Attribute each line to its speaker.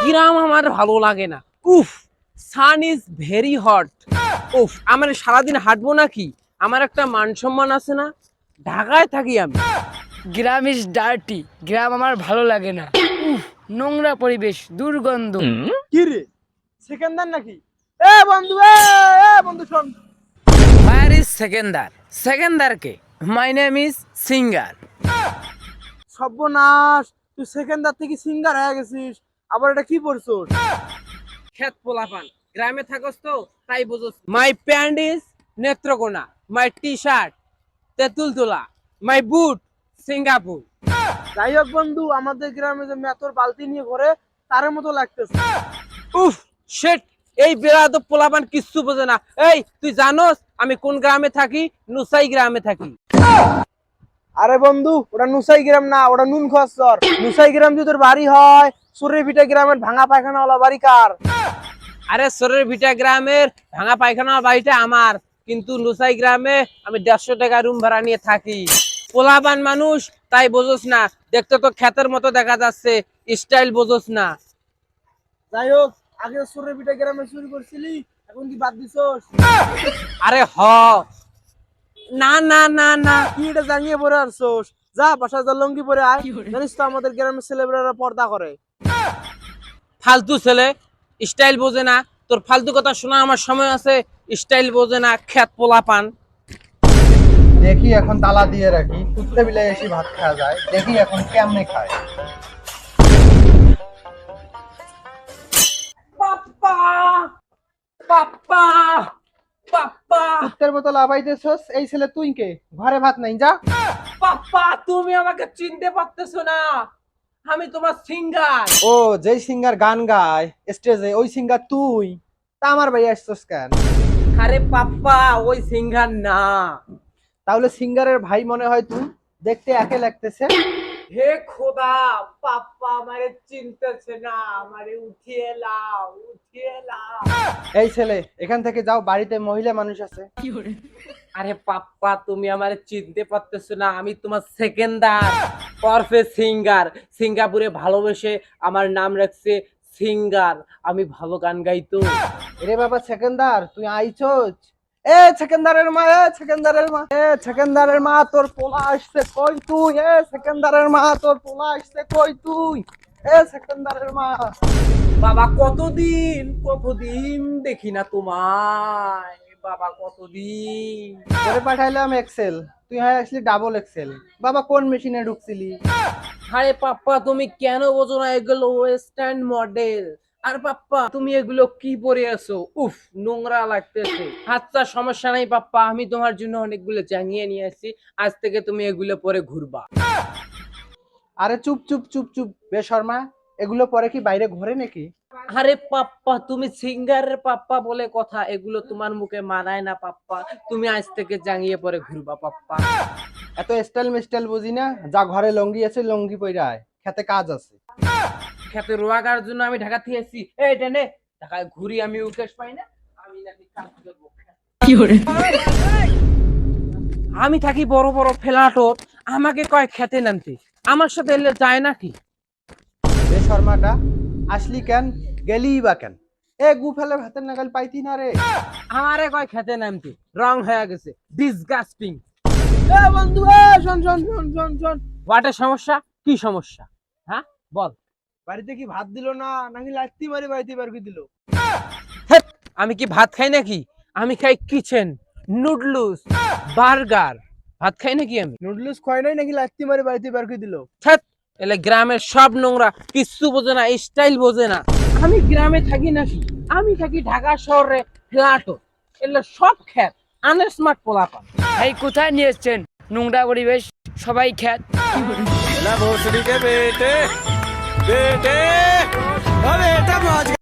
Speaker 1: গ্রাম আমার ভালো লাগে না। উফ, সান ইজ ভেরি হট। উফ, আমার সারাদিন হাঁটবো নাকি? আমার একটা মান সম্মান আছে না? ঢাকায় থাকি আমি।
Speaker 2: গ্রাম ইজ ডার্টি, গ্রাম আমার ভালো লাগে না। উফ, নোংরা পরিবেশ, দুর্গন্ধ।
Speaker 3: কি রে সেকেন্দার নাকি? এ বন্ধু, বন্ধু শোন।
Speaker 2: ফায়ার ইজ সেকেন্দার, সেকেন্দার কে? My name is singer.
Speaker 3: সর্বনাশ, তুই সেকেন্দার থেকে সিঙ্গার হয়ে গেছিস। আবার এটা কি পড়ছস?
Speaker 1: খেত পোলাপান, গ্রামে থাকস তো তাই বুঝোস। My pant is Netrokona, my T shirt Tetultala, my boot Singapore.
Speaker 3: যাই হোক বন্ধু, আমাদের গ্রামে যে মেতর বালতি নিয়ে ঘরে তার মতো লাগতেছে।
Speaker 1: উফ শিট, এই বেড়াতো পোলাপান কিচ্ছু বোঝে না। এই তুই জানোস আমি কোন গ্রামে থাকি? নুসাই গ্রামে থাকি।
Speaker 3: আরে বন্ধু, ওটা নুসাই গ্রাম না, ওটা নুন খসর। নুসাই গ্রাম যদি তোর বাড়ি হয়, সুরেভিটা গ্রামের ভাঙা পায়খানাওয়ালা বাড়ি কার?
Speaker 1: আরে সরের ভিটা গ্রামের ভাঙা পায়খানা বাড়িটা আমার, কিন্তু নুসাই গ্রামে আমি 150 টাকা রুম ভাড়া নিয়ে থাকি। পোলাপান মানুষ তাই বোঝোস না, দেখতে তো ক্ষেতের মতো দেখা যাচ্ছে, স্টাইল বোঝোস না।
Speaker 3: যাই হোক, আগে সুরেভিটা গ্রামে চুরি করছিলি, এখন কি বাদ দিছস?
Speaker 1: আরে হ, না না না না,
Speaker 3: কি এটা জানিয়ে পরে আসছস? যা বাসায় যা, লঙ্গি পরে আয়। জানিস তো আমাদের গ্রামের ছেলেমেয়েরা পর্দা করে।
Speaker 1: ফালতু ছেলে, স্টাইল বোঝে না। তোর ফালতু কথা শোনা আমার সময় আছে? স্টাইল বোঝে না ক্ষেত পোলাপান।
Speaker 4: দেখি এখন তালা দিয়ে রাখি, কুত্তে বিলে এসে ভাত খাওয়া যায়, দেখি এখন কেমনে খায়।
Speaker 1: পাপ্পা পাপ্পা পাপ্পা
Speaker 4: কুত্তের মতো লাফাইতেছস, এই ছেলে তুই কে? ঘরে ভাত নাই, যা।
Speaker 1: পাপ্পা, তুমি আমাকে চিনতে পারতেছো না? আমি তোমার সিঙ্গার।
Speaker 4: ও, যেই সিঙ্গার গান গায় স্টেজে, ওই সিঙ্গার তুই? তা আমার ভাই আসছস কেন?
Speaker 1: আরে পাপ্পা, ওই সিঙ্গার না।
Speaker 4: তাহলে সিঙ্গারের ভাই মনে হয় তুই, দেখতে একে লাগতেছে।
Speaker 1: হে খোদা, পাপ্পা আমারে চিনতেছে না, আমারে উঠিয়ে লাও, উঠিয়ে লাও।
Speaker 4: এই ছেলে, এখান থেকে যাও, বাড়িতে মহিলা মানুষ আছে।
Speaker 1: আরে পাপ্পা, তুমি আমারে চিনতে পারতেছো না? আমি তোমার সেকেন্ডার ওরফে সিঙ্গার। সিঙ্গাপুরে ভালোবেসে আমার নাম রাখছে সিঙ্গার। আমি ভালো গান গাইতো।
Speaker 4: এরে বাবা সেকেন্দার, তুই আইছস? এ সেকেন্দারের মা, এ সেকেন্দারের মা, এ সেকেন্দারের মা, তোর পোলা আসছে কই তুই? এ সেকেন্দারের মা, তোর পোলা আসছে কই তুই? এ সেকেন্দারের মা।
Speaker 1: বাবা, কতদিন কতদিন দেখি না তোমায়। বাবা কতদিন।
Speaker 4: তোরে পাঠাইলাম এক্সেল, তুই হয় আসলি ডাবল এক্সেল। বাবা কোন মেশিনে ঢুকছিলি?
Speaker 1: আরে পাপ্পা, তুমি কেন বোঝো না? এগুলো ওয়েস্টার্ন মডেল। আর পাপ্পা, তুমি এগুলো কি পরে আছো? উফ, নোংরা লাগতেছে। আচ্ছা সমস্যা নাই পাপ্পা, আমি তোমার জন্য অনেকগুলো জাঙ্গিয়ে নিয়ে আসছি। আজ থেকে তুমি এগুলো পরে ঘুরবা।
Speaker 4: আরে চুপ চুপ চুপ চুপ, বেশর্মা। এগুলো পরে কি বাইরে ঘোরে নাকি?
Speaker 1: আরে পাপ্পা, তুমি সিঙ্গারের পাপ্পা বলে কথা, এগুলো তোমার মুখে মানায় না পাপ্পা। তুমি আজ থেকে জাঙ্গিয়ে পরে ঘুরবা পাপ্পা।
Speaker 4: এত স্টাইল মিস্টাইল বুঝি না, যা ঘরে লঙ্গি আছে লঙ্গি পইরা আয়, খেতে কাজ আছে।
Speaker 1: খেতে রোয়াগার জন্য আমি ঢাকা থেকে এসেছি। এই টেনে ঢাকায় ঘুরি, আমি উকেশ পাই না? আমি নাকি কাজ করবো? আমি থাকি বড় বড় ফ্ল্যাটও, আমাকে কয় খেতে নামতে। আমার সাথে এলে যায় নাকি?
Speaker 4: বেশর্মাটা, আসলি কেন, গেলি বা কেন? এ গু ফেলে ভাতের নাগাল পাইতি না রে।
Speaker 1: আমারে কয় খেতে নামতে, রং হয়ে গেছে, ডিসগাস্টিং।
Speaker 3: এ বন্ধু, শোন শোন শোন শোন শোন।
Speaker 1: হোয়াটের সমস্যা? কি সমস্যা? হ্যাঁ বল।
Speaker 3: বাড়িতে কি ভাত দিল না, নাকি লাত্তি মারি বাড়িতে বের করে দিল?
Speaker 1: হেৎ, আমি কি ভাত খাই নাকি? আমি খাই কিচেন নুডলস বার্গার। ভাত খাই নাকি আমি?
Speaker 3: নুডলস খায় নাই, নাকি লাত্তি মারি বাড়িতে বের করে দিল?
Speaker 1: ধ্যাৎ, এলে গ্রামের সব নোংরা, কিচ্ছু বোঝে না, স্টাইল বোঝে না। আমি গ্রামে থাকি নাকি? আমি থাকি ঢাকা শহরে ফ্ল্যাটও, এলে সব খ্যাত আনস্মার্ট পোলাপান।
Speaker 2: এই কোথায় নিয়ে এসছেন? নোংরা পরিবেশ, সবাই খ্যাত।
Speaker 5: भोसड़ी के बेटे बेटे, ओ बेटा मौज